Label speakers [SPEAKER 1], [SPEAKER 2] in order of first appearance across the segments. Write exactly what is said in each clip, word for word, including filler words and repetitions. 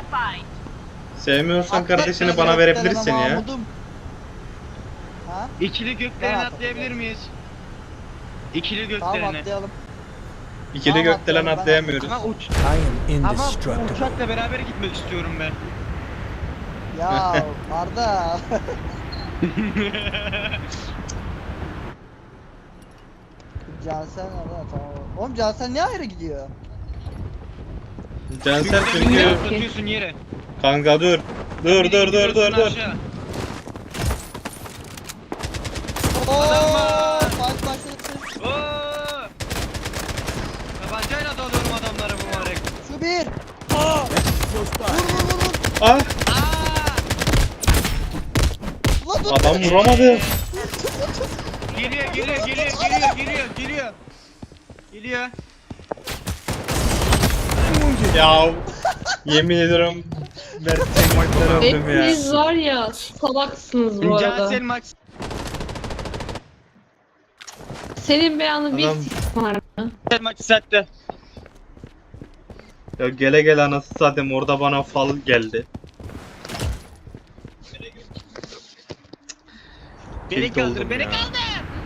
[SPEAKER 1] Sevmiyorsan
[SPEAKER 2] Atlat
[SPEAKER 1] kardeşini
[SPEAKER 2] beni
[SPEAKER 1] bana
[SPEAKER 2] gökdelene
[SPEAKER 1] verebilirsin ya.
[SPEAKER 2] Mahmudum. Ha?
[SPEAKER 3] İkili gökdeleni
[SPEAKER 2] Tamam,
[SPEAKER 3] atlayabilir
[SPEAKER 2] atlayalım.
[SPEAKER 3] miyiz? İkili
[SPEAKER 2] Tamam
[SPEAKER 3] gökdeleni.
[SPEAKER 2] atlayalım.
[SPEAKER 1] İkili
[SPEAKER 2] Tamam,
[SPEAKER 1] gökdelen
[SPEAKER 2] atlayalım, ben
[SPEAKER 1] atlayamıyoruz.
[SPEAKER 3] Ama uç
[SPEAKER 4] I am
[SPEAKER 3] ama bu
[SPEAKER 4] indestructible.
[SPEAKER 3] uçakla beraber gitmek istiyorum ben.
[SPEAKER 2] Ya Arda. Cansel nerede? Tamam. Oğlum Cansel niye ayrı gidiyor?
[SPEAKER 1] Cansel
[SPEAKER 3] Çünkü
[SPEAKER 1] çünkü...
[SPEAKER 3] atlatıyorsun yere.
[SPEAKER 1] Kanka dur. Dur dur dur
[SPEAKER 3] İndiriyorsun
[SPEAKER 1] dur dur.
[SPEAKER 3] aşağı.
[SPEAKER 2] Ooo!
[SPEAKER 3] var.
[SPEAKER 2] Fight başladı.
[SPEAKER 3] Oo! Tabancayla dalıyorum adamları mübarek.
[SPEAKER 2] Şu bir. Aa! Vur vur vur vur.
[SPEAKER 1] Ah!
[SPEAKER 3] Aa!
[SPEAKER 2] Ulan dur.
[SPEAKER 1] Adam vuramadı.
[SPEAKER 3] Geliyor geliyor geliyor geliyor geliyor geliyor. Geliyor.
[SPEAKER 1] Ya yemin ediyorum gerçekten öldüm ya.
[SPEAKER 5] Hepiniz var ya salaksınız bu arada.
[SPEAKER 3] Cansel Max.
[SPEAKER 5] Senin beyanı bir
[SPEAKER 1] Adam-
[SPEAKER 5] s**k var mı?
[SPEAKER 3] Cansel Max sattı.
[SPEAKER 1] Ya gele gele anasını satayım orada bana fal geldi.
[SPEAKER 3] Beni
[SPEAKER 1] Tilt
[SPEAKER 3] kaldır
[SPEAKER 1] oldum
[SPEAKER 3] beni
[SPEAKER 1] ya.
[SPEAKER 3] kaldır.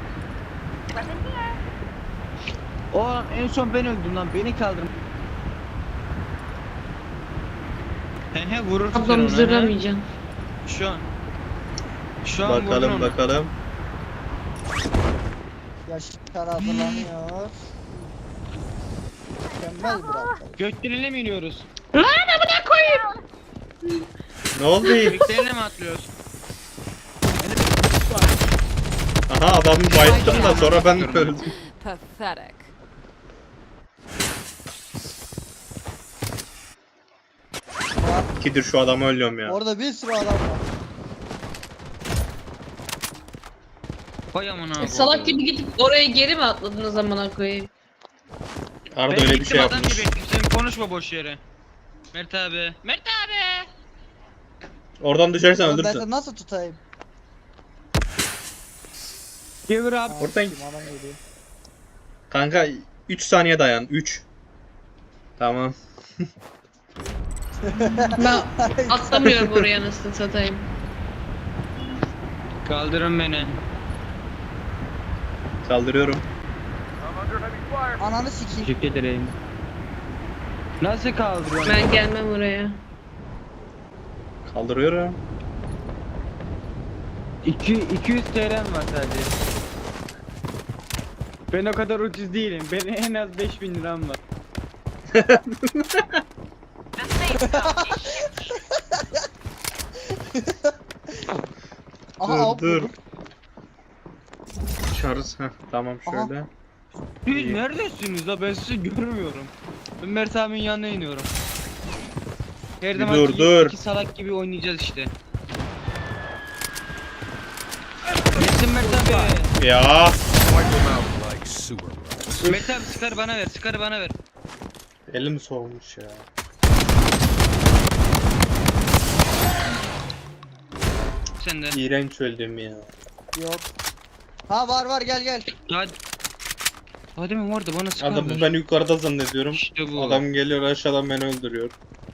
[SPEAKER 3] O en son ben öldüm lan beni kaldır. He he vurursun sen
[SPEAKER 5] Ablamı
[SPEAKER 3] ona, he.
[SPEAKER 5] zırlamayacağım.
[SPEAKER 3] Şu an. Şu an vurdun
[SPEAKER 1] Bakalım
[SPEAKER 3] onu.
[SPEAKER 1] bakalım.
[SPEAKER 2] Yaşar hazırlanıyor. Mükemmel bir atlayış.
[SPEAKER 3] Gökdelen'e mi iniyoruz?
[SPEAKER 5] Lan amına koyayım.
[SPEAKER 1] Ne oldu?
[SPEAKER 3] Gökdelen'e mi atlıyoruz?
[SPEAKER 1] Aha adamı bayılttım da sonra ben öldüm.
[SPEAKER 6] Pathetic.
[SPEAKER 1] İkidir şu adamı ölüyorum ya.
[SPEAKER 2] Orada bir sürü adam var.
[SPEAKER 3] Vay amına abi.
[SPEAKER 5] Salak gibi gidip oraya geri mi atladınız amına koyayım?
[SPEAKER 1] Arda
[SPEAKER 3] Ben
[SPEAKER 1] öyle bir
[SPEAKER 3] gittim
[SPEAKER 1] şey
[SPEAKER 3] adam
[SPEAKER 1] yapmış.
[SPEAKER 3] gibi ettim, sen konuşma boş yere. Mert abi. Mert abi.
[SPEAKER 1] Oradan düşersen
[SPEAKER 2] Oğlum ben
[SPEAKER 1] ölürsün.
[SPEAKER 2] seni nasıl tutayım?
[SPEAKER 3] Gevur abi.
[SPEAKER 2] Ha,
[SPEAKER 1] Oradan-
[SPEAKER 2] kim adam geliyor.
[SPEAKER 1] Kanka üç saniye dayan. üç. Tamam.
[SPEAKER 5] Ben atlamıyorum oraya nasıl satayım.
[SPEAKER 3] Kaldırın beni.
[SPEAKER 1] Kaldırıyorum.
[SPEAKER 2] Ananı sikeyim.
[SPEAKER 3] Teşekkür ederim. Nasıl kaldırıyorsun?
[SPEAKER 5] Ben gelmem oraya.
[SPEAKER 1] Kaldırıyorum.
[SPEAKER 3] iki iki yüz T L'm var sadece. Ben o kadar ucuz değilim. Benim en az beş bin liram var.
[SPEAKER 2] Aha
[SPEAKER 1] Dur
[SPEAKER 2] hop
[SPEAKER 1] dur.
[SPEAKER 2] vurdum.
[SPEAKER 1] Çarız. Heh, tamam şöyle.
[SPEAKER 3] Siz
[SPEAKER 1] İyi.
[SPEAKER 3] neredesiniz la? Ben sizi görmüyorum. Ben Mert abinin yanına iniyorum. Her
[SPEAKER 1] Bir
[SPEAKER 3] zaman
[SPEAKER 1] dur, dur.
[SPEAKER 3] iki salak gibi oynayacağız işte. Geçsin Mert abi.
[SPEAKER 1] Ya.
[SPEAKER 4] Like sewer rats.
[SPEAKER 3] Mert abi sıkarı bana ver, sıkarı bana ver.
[SPEAKER 1] Elim soğumuş ya.
[SPEAKER 3] Sen de.
[SPEAKER 1] İğrenç öldüm ya.
[SPEAKER 2] Yok. Ha var var gel gel.
[SPEAKER 3] Hadi. Hadi mi orada bana sıkar
[SPEAKER 1] Adamı
[SPEAKER 3] ver.
[SPEAKER 1] ben yukarıda zannediyorum.
[SPEAKER 3] İşte bu.
[SPEAKER 1] Adam geliyor aşağıdan beni öldürüyor.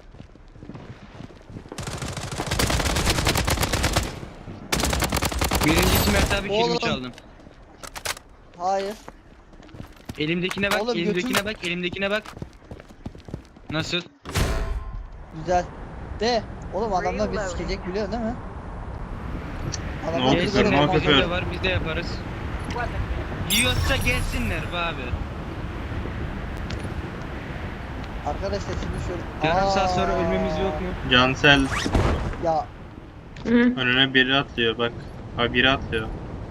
[SPEAKER 3] Birincisi Mert abi
[SPEAKER 2] Oğlum.
[SPEAKER 3] kilimi çaldım.
[SPEAKER 2] Hayır.
[SPEAKER 3] Elimdekine bak,
[SPEAKER 2] Oğlum,
[SPEAKER 3] elimdekine
[SPEAKER 2] götüm-
[SPEAKER 3] bak, elimdekine bak. Nasıl?
[SPEAKER 2] Güzel. De. Oğlum adamlar bizi sikecek biliyorsun değil mi?
[SPEAKER 1] Ne oldu
[SPEAKER 2] bizi
[SPEAKER 1] küfür, ne
[SPEAKER 2] görüyor,
[SPEAKER 1] oldu
[SPEAKER 2] adam-
[SPEAKER 1] küfür?
[SPEAKER 3] Bizim de var, biz de yaparız. Yiyorsa gelsinler be abi.
[SPEAKER 2] Arkadaşlar şimdi şöyle.
[SPEAKER 3] Yarım saat
[SPEAKER 2] Aa,
[SPEAKER 3] sonra ölmemiz yok mu?
[SPEAKER 1] Cansel
[SPEAKER 2] Ya
[SPEAKER 5] Hı.
[SPEAKER 1] önüne biri atlıyor bak. Ha biri atlıyor.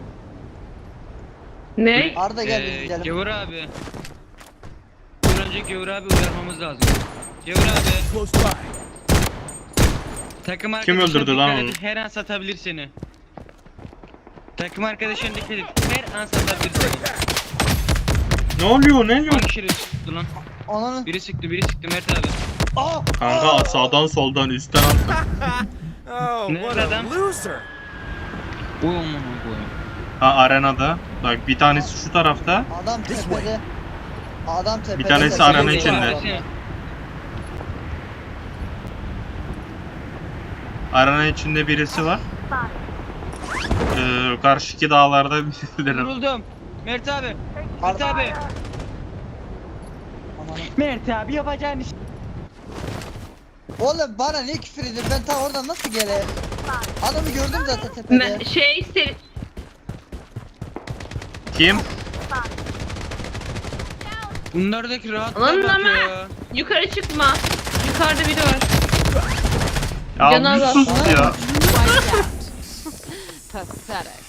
[SPEAKER 5] Ne?
[SPEAKER 2] Arda gel biz
[SPEAKER 3] Ee,
[SPEAKER 2] gidelim.
[SPEAKER 3] Gevur abi. Bir önce Gevur abi uyarmamız lazım. Gevur abi.
[SPEAKER 4] Close by.
[SPEAKER 3] Takım
[SPEAKER 1] Kim
[SPEAKER 3] arkadaşına
[SPEAKER 1] öldürdü lan
[SPEAKER 3] dikkat
[SPEAKER 1] onu?
[SPEAKER 3] et, her an satabilir seni. Takım arkadaşına dikkat et, her an satabilir seni.
[SPEAKER 1] Ne oluyor ne oluyor?
[SPEAKER 3] Hangi şerif sıktı lan?
[SPEAKER 2] Ananı.
[SPEAKER 3] Biri sıktı, biri sıktı Mert abi.
[SPEAKER 2] Aa!
[SPEAKER 1] Kanka sağdan soldan üstten attım.
[SPEAKER 4] Oh,
[SPEAKER 3] Ne
[SPEAKER 4] what
[SPEAKER 3] adam?
[SPEAKER 4] a loser.
[SPEAKER 3] Uy aman koyayım.
[SPEAKER 1] Ha arenada. Bak bir tanesi şu tarafta.
[SPEAKER 2] Adam tepede. Adam tepede.
[SPEAKER 1] Bir tanesi
[SPEAKER 2] tepede.
[SPEAKER 1] aranın
[SPEAKER 3] Seni
[SPEAKER 1] içinde.
[SPEAKER 3] bekliyorum, seni.
[SPEAKER 1] Arana içinde birisi var. Ee, karşıki dağlarda birileri.
[SPEAKER 3] Vuruldum. Mert abi. Mert
[SPEAKER 2] Ar-
[SPEAKER 3] abi.
[SPEAKER 2] Aman.
[SPEAKER 3] Mert abi yapacağın iş.
[SPEAKER 2] Oğlum bana ne küfür edin? Ben ta oradan nasıl gele? Adamı gördüm zaten tepede.
[SPEAKER 5] Ben, şey seri...
[SPEAKER 1] Kim?
[SPEAKER 3] Bunlardaki rahat
[SPEAKER 5] Lan
[SPEAKER 3] bak
[SPEAKER 5] ama-
[SPEAKER 3] ya.
[SPEAKER 5] Yukarı çıkma. Yukarıda biri var.
[SPEAKER 1] Ya
[SPEAKER 5] Canı
[SPEAKER 1] bir
[SPEAKER 5] az
[SPEAKER 1] sus
[SPEAKER 2] aslında.
[SPEAKER 1] ya.
[SPEAKER 6] Pathetic.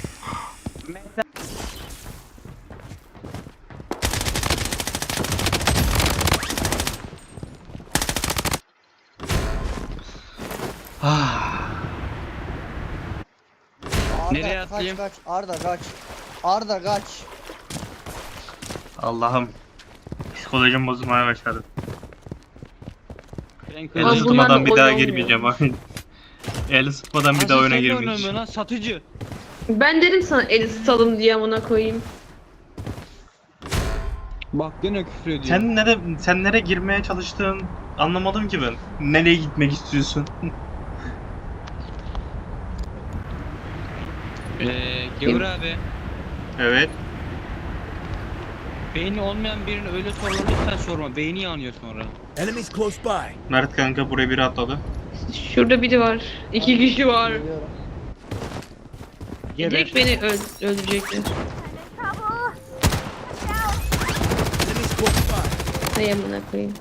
[SPEAKER 2] Arda,
[SPEAKER 3] Nereye
[SPEAKER 2] kaç,
[SPEAKER 3] atlayayım?
[SPEAKER 2] Kaç Arda kaç. Arda kaç.
[SPEAKER 1] Allah'ım. Psikolojim bozulmaya başladı.
[SPEAKER 3] Frank
[SPEAKER 1] El
[SPEAKER 5] Ama
[SPEAKER 3] öldü.
[SPEAKER 5] bunlar
[SPEAKER 1] ısıtmadan
[SPEAKER 5] da
[SPEAKER 1] bir daha
[SPEAKER 5] oyun
[SPEAKER 1] girmeyeceğim. El ısıtmadan bir
[SPEAKER 3] Asıl
[SPEAKER 1] daha oyuna
[SPEAKER 3] sen de
[SPEAKER 1] girmeyeceğim.
[SPEAKER 3] oynamıyorsun lan satıcı.
[SPEAKER 5] Ben dedim sana el ısıtalım diye amına koyayım.
[SPEAKER 3] Bak gene küfür ediyor.
[SPEAKER 1] Sen nere sen nereye girmeye çalıştığın anlamadım ki ben. Nereye gitmek istiyorsun?
[SPEAKER 3] Eee Gevur abi.
[SPEAKER 1] Evet.
[SPEAKER 3] Beyni olmayan birine öyle sorular lütfen sorma. Beyni yanıyor sonra.
[SPEAKER 4] Enemies close by.
[SPEAKER 1] Mert kanka buraya biri atladı.
[SPEAKER 5] Şurada biri var. İki kişi var.
[SPEAKER 2] Geliyorum.
[SPEAKER 5] Direkt beni öl- öldürecekler.
[SPEAKER 4] Enemies close by.
[SPEAKER 5] Hay amına koyayım.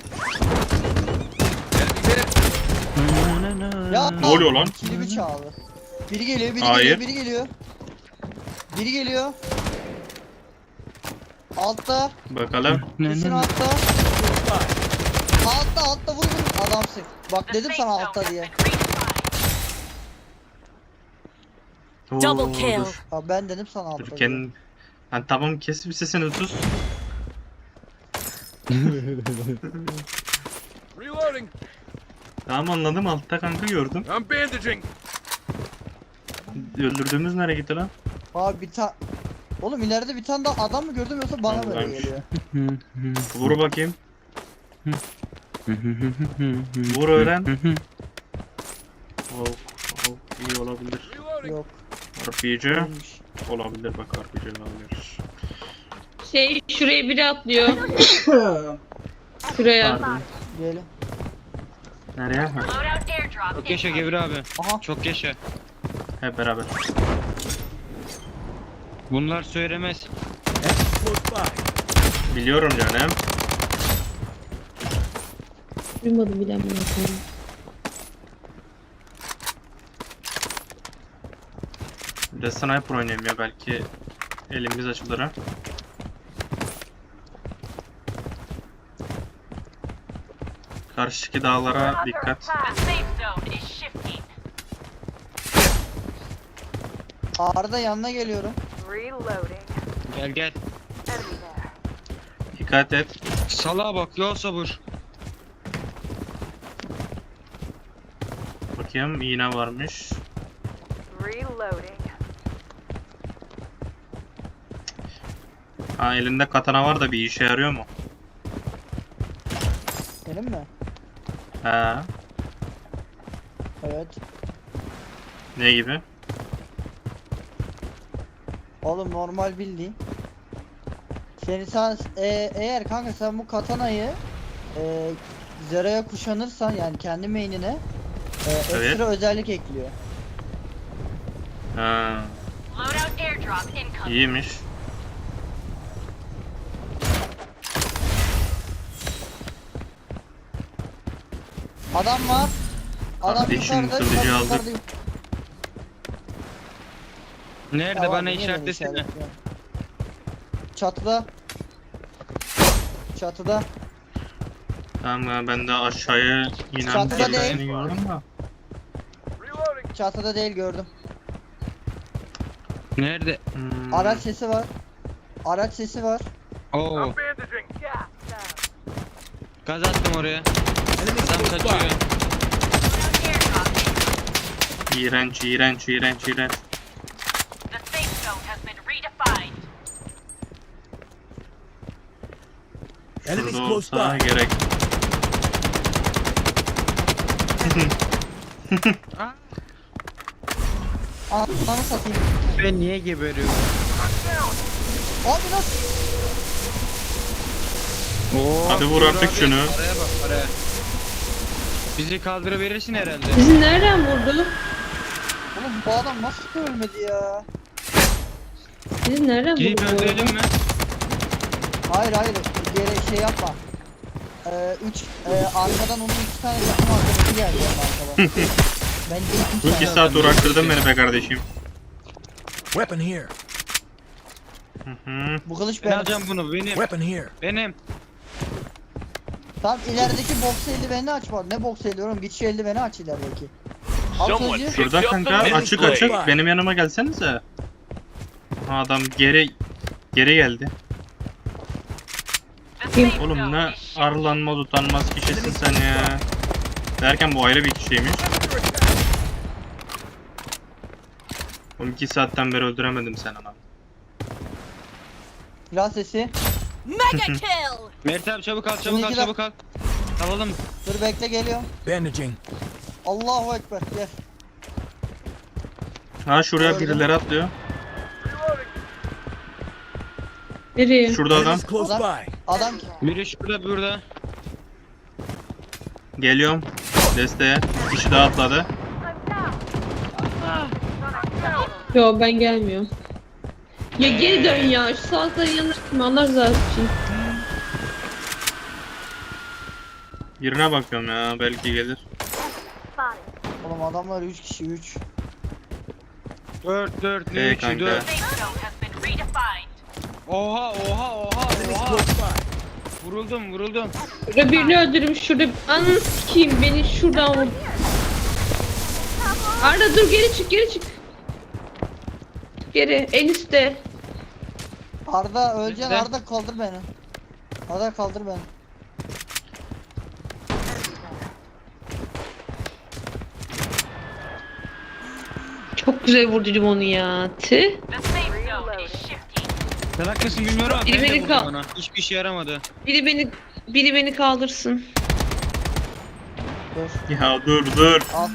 [SPEAKER 2] Ya
[SPEAKER 1] Ne oluyor lan?
[SPEAKER 2] Kilimi çaldı. Biri geliyor, biri
[SPEAKER 1] Hayır.
[SPEAKER 2] geliyor, biri geliyor. Biri geliyor. Altta.
[SPEAKER 1] Bakalım.
[SPEAKER 2] Kesin altta. Altta, altta vur vur. Adamsın. Bak dedim sana altta diye.
[SPEAKER 1] Double
[SPEAKER 6] kill.
[SPEAKER 2] Ha ben dedim sana altta
[SPEAKER 1] Dur
[SPEAKER 2] diye.
[SPEAKER 1] kendin. Lan tamam kes bir sesini sus.
[SPEAKER 4] Reloading.
[SPEAKER 1] Tamam anladım altta kanka gördüm.
[SPEAKER 4] I'm bandaging.
[SPEAKER 1] Öldürdüğümüz nereye gitti lan?
[SPEAKER 2] Abi bir tane... Oğlum ileride bir tane daha adam mı gördüm yoksa bana mı öyle
[SPEAKER 1] Vallahi.
[SPEAKER 2] geliyor?
[SPEAKER 1] Vur bakayım. Vur öğren. Oh, oh, iyi olabilir.
[SPEAKER 4] Reloading.
[SPEAKER 2] Yok.
[SPEAKER 1] R P G
[SPEAKER 2] Değilmiş.
[SPEAKER 1] olabilir bak R P G olabilir.
[SPEAKER 5] Şey şuraya biri atlıyor. Şuraya.
[SPEAKER 1] Pardon.
[SPEAKER 2] Gelin.
[SPEAKER 1] Nereye? Ha,
[SPEAKER 3] Çok yaşa Gevur abi.
[SPEAKER 2] Aha.
[SPEAKER 3] Çok yaşa.
[SPEAKER 1] hep beraber.
[SPEAKER 3] Bunlar söylemez.
[SPEAKER 4] Enemies close by.
[SPEAKER 1] Biliyorum canım.
[SPEAKER 5] Duymadım bile amına koyayım.
[SPEAKER 1] Bir de sniper oynayayım ya belki elimiz açılır ha. Karşıki dağlara dikkat.
[SPEAKER 2] Arda yanına geliyorum.
[SPEAKER 3] Gel gel.
[SPEAKER 1] Dikkat et.
[SPEAKER 3] Salağa bak ya sabır.
[SPEAKER 1] Bakayım iğne varmış. Ha elinde katana var da bir işe yarıyor mu?
[SPEAKER 2] Benim mi?
[SPEAKER 1] Ha,
[SPEAKER 2] Evet.
[SPEAKER 1] ne gibi?
[SPEAKER 2] Oğlum normal bildiğin. Seni sen e, eğer kanka sen bu katanayı e, Zera'ya kuşanırsan yani kendi main'ine e, ekstra
[SPEAKER 1] Evet.
[SPEAKER 2] özellik ekliyor.
[SPEAKER 1] Ha, iyiymiş.
[SPEAKER 2] Adam var. Adam
[SPEAKER 1] Kardeşim,
[SPEAKER 2] yukarıda,
[SPEAKER 1] kılıcı
[SPEAKER 2] yukarıda,
[SPEAKER 1] aldık.
[SPEAKER 2] yukarıda.
[SPEAKER 3] Nerede
[SPEAKER 2] Tamam,
[SPEAKER 3] bana
[SPEAKER 2] niye beni
[SPEAKER 3] işaretlesene.
[SPEAKER 2] işaretliyorsun? Çatıda. Çatıda.
[SPEAKER 1] Tamam ya, ben de aşağıya inen
[SPEAKER 2] Çatıda
[SPEAKER 1] birisini
[SPEAKER 2] değil.
[SPEAKER 1] gördüm da.
[SPEAKER 4] Reloading.
[SPEAKER 2] Çatıda değil gördüm.
[SPEAKER 3] Nerede?
[SPEAKER 1] Hmm,
[SPEAKER 2] Araç sesi var. Araç sesi var.
[SPEAKER 3] Oo.
[SPEAKER 4] I'm bandaging.
[SPEAKER 3] Gaz attım oraya.
[SPEAKER 4] Enemies
[SPEAKER 3] Adam
[SPEAKER 4] close
[SPEAKER 3] kaçıyor.
[SPEAKER 4] by.
[SPEAKER 1] iğrenç, iğrenç, iğrenç, iğrenç.
[SPEAKER 4] Enemies
[SPEAKER 1] Şurada
[SPEAKER 4] close
[SPEAKER 1] olsa
[SPEAKER 4] by.
[SPEAKER 1] gerek.
[SPEAKER 3] Aa,
[SPEAKER 2] Ananı satayım.
[SPEAKER 3] Ben niye geberiyorum?
[SPEAKER 2] Abi nasıl?
[SPEAKER 3] Oo,
[SPEAKER 1] Hadi vur
[SPEAKER 3] Uğur
[SPEAKER 1] artık
[SPEAKER 3] abi,
[SPEAKER 1] şunu.
[SPEAKER 3] Paraya bak paraya. Bizi kaldırıverirsin herhalde.
[SPEAKER 5] Bizi nereden vurdu?
[SPEAKER 2] Oğlum bu adam nasıl ölmedi ya?
[SPEAKER 5] Bizi nereden
[SPEAKER 3] Gidip
[SPEAKER 5] vurdu?
[SPEAKER 3] öldürelim mi?
[SPEAKER 2] Hayır hayır geri şey yapma. Ee, üç e, arkadan onun iki tane yakın arkadaşı geldi yani arkadan. Ben de iki
[SPEAKER 1] Bu iki
[SPEAKER 2] tane.
[SPEAKER 1] saat uğraştırdın beni be kardeşim.
[SPEAKER 4] Weapon here.
[SPEAKER 1] Hı hı.
[SPEAKER 2] Bu kılıç
[SPEAKER 3] Ben
[SPEAKER 2] benim.
[SPEAKER 3] alacağım bunu benim.
[SPEAKER 4] Weapon here.
[SPEAKER 3] Benim.
[SPEAKER 2] Tamam ilerideki boks eldiveni aç bak. Ne boks eldiveni oğlum? Git şu eldiveni aç ilerideki. Al sözcüğü.
[SPEAKER 1] Şurada kanka açık açık. Benim yanıma gelsenize. Ha, adam geri geri geldi. Oğlum ne arlanmaz utanmaz kişisin sen ya. Derken bu ayrı bir kişiymiş. Oğlum iki saatten beri öldüremedim sen ama.
[SPEAKER 2] Silah sesi.
[SPEAKER 6] Mega kill!
[SPEAKER 3] Mert abi çabuk al çabuk al
[SPEAKER 2] Bununki de-
[SPEAKER 3] çabuk al. Alalım.
[SPEAKER 2] Dur bekle geliyorum.
[SPEAKER 4] Bandaging.
[SPEAKER 2] Allahu ekber gel.
[SPEAKER 1] Ha şuraya birileri atlıyor.
[SPEAKER 5] Nereye?
[SPEAKER 1] Şurada adam.
[SPEAKER 4] Enemies close
[SPEAKER 2] Adam-
[SPEAKER 4] by.
[SPEAKER 2] Adam
[SPEAKER 3] Biri şurada burada.
[SPEAKER 1] Geliyorum. Desteğe. Kişi daha atladı.
[SPEAKER 5] Yo ben gelmiyorum. Ya geri dön ya. Şu salakların yanına gitme. Allah rızası için.
[SPEAKER 1] Birine bakıyorum ya belki gelir.
[SPEAKER 2] oğlum adamlar üç kişi üç.
[SPEAKER 3] dört dört ne
[SPEAKER 1] Ee,
[SPEAKER 3] üçü
[SPEAKER 1] kanka.
[SPEAKER 3] dört.
[SPEAKER 6] Safe zone has been redefined.
[SPEAKER 3] Oha oha oha
[SPEAKER 4] Enemies
[SPEAKER 3] oha.
[SPEAKER 4] close by.
[SPEAKER 3] Vuruldum vuruldum.
[SPEAKER 5] Şurada birini öldürüm. Şurada ananı sikeyim. Beni şuradan vur. Arda dur geri çık geri çık. Geri en üstte.
[SPEAKER 2] Arda öleceksin
[SPEAKER 3] Bekle.
[SPEAKER 2] Arda kaldır beni. Arda kaldır beni.
[SPEAKER 5] Çok güzel vurdum onu ya. Tüh.
[SPEAKER 6] The safe zone is shifting.
[SPEAKER 3] Sen haklısın bilmiyorum ama
[SPEAKER 5] Biri
[SPEAKER 3] ben de
[SPEAKER 5] beni
[SPEAKER 3] vurdum
[SPEAKER 5] kal-
[SPEAKER 3] ona. Hiçbir işe yaramadı.
[SPEAKER 5] Biri beni biri beni kaldırsın.
[SPEAKER 2] Dur.
[SPEAKER 1] Ya dur dur.
[SPEAKER 2] Al.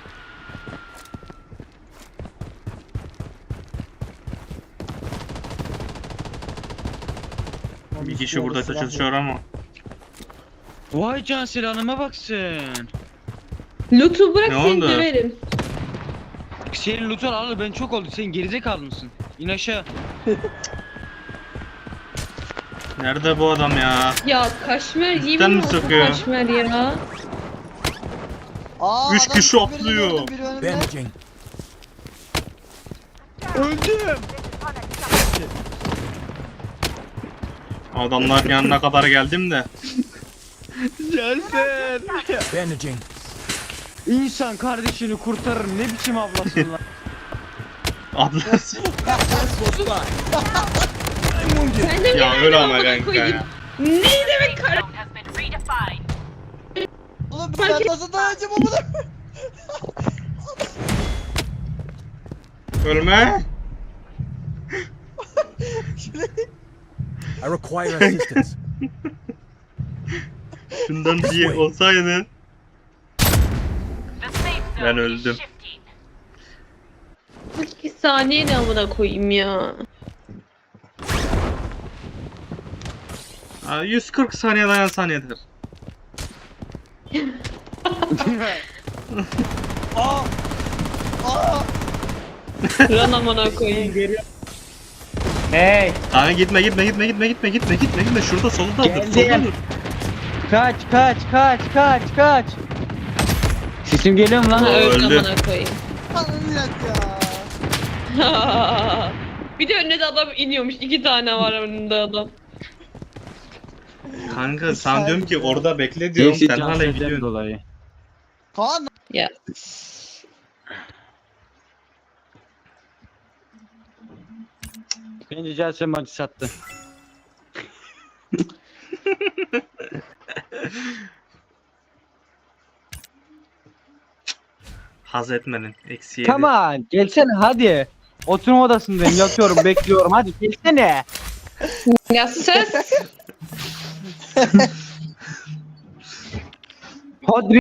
[SPEAKER 1] Bir kişi burada çalışıyor ama.
[SPEAKER 3] Vay can silahıma baksın.
[SPEAKER 5] Loot'u bırak
[SPEAKER 1] Ne
[SPEAKER 5] seni
[SPEAKER 1] oldu?
[SPEAKER 5] döverim.
[SPEAKER 3] Senin loot'un alalı ben çok oldu. Sen gerizekalı mısın? İn aşağı.
[SPEAKER 1] Nerede bu adam ya?
[SPEAKER 5] Ya kaşmer
[SPEAKER 1] Üstten
[SPEAKER 5] yemin
[SPEAKER 1] mi
[SPEAKER 5] olsun
[SPEAKER 1] sıkıyor?
[SPEAKER 5] kaşmer ya.
[SPEAKER 2] Aa,
[SPEAKER 1] Üç
[SPEAKER 2] adam
[SPEAKER 1] kişi
[SPEAKER 2] birini
[SPEAKER 1] atlıyor.
[SPEAKER 2] gördüm, biri önümde.
[SPEAKER 4] Bandaging.
[SPEAKER 3] Öldüm.
[SPEAKER 1] Adamların yanına kadar geldim de.
[SPEAKER 3] Gelsin.
[SPEAKER 4] Bandaging.
[SPEAKER 3] İnsan kardeşini kurtarır. Ne biçim ablasın lan.
[SPEAKER 1] Ablası.
[SPEAKER 4] Close by.
[SPEAKER 5] Sen de mi
[SPEAKER 1] Ya
[SPEAKER 5] yani
[SPEAKER 1] öyle ama
[SPEAKER 5] amına
[SPEAKER 1] kanka
[SPEAKER 5] koyayım?
[SPEAKER 1] ya.
[SPEAKER 5] Ne demek
[SPEAKER 6] Safe
[SPEAKER 5] kar...
[SPEAKER 6] zone has been redefined.
[SPEAKER 2] Oğlum ben nasıl dayanacağım amına?
[SPEAKER 1] Ölme.
[SPEAKER 4] I require assistance.
[SPEAKER 1] Şundan bir olsaydı.
[SPEAKER 6] The safe zone
[SPEAKER 1] Ben
[SPEAKER 6] is
[SPEAKER 1] öldüm.
[SPEAKER 6] shifting.
[SPEAKER 5] İki saniye ne amına koyayım ya.
[SPEAKER 1] Aa, yüz kırk saniye dayansan yeter.
[SPEAKER 2] Aa! Aa!
[SPEAKER 5] Lan amına koyayım.
[SPEAKER 3] Hey.
[SPEAKER 1] Abi gitme gitme gitme gitme gitme gitme gitme gitme şurada solda dur
[SPEAKER 3] Geldim.
[SPEAKER 1] solda dur.
[SPEAKER 3] Kaç kaç kaç kaç kaç. Sesim geliyor mu lan?
[SPEAKER 5] Ha, öldü
[SPEAKER 1] öldü.
[SPEAKER 5] amına koyayım.
[SPEAKER 2] Anlayacak ya.
[SPEAKER 5] Bir de önüne de adam iniyormuş. İki tane var önünde adam.
[SPEAKER 1] Kanka sen diyorum ki orada bekle diyorum sen hala gidiyorsun.
[SPEAKER 3] dolayı.
[SPEAKER 2] Kaan
[SPEAKER 5] Ya.
[SPEAKER 3] Bence Celsen maçı sattı.
[SPEAKER 1] Haz etmedin. Eksi yedi.
[SPEAKER 7] Come on, gelsene hadi. Oturma odasındayım, yatıyorum, bekliyorum. Hadi gelsene.
[SPEAKER 5] Ya ses.
[SPEAKER 7] Hadi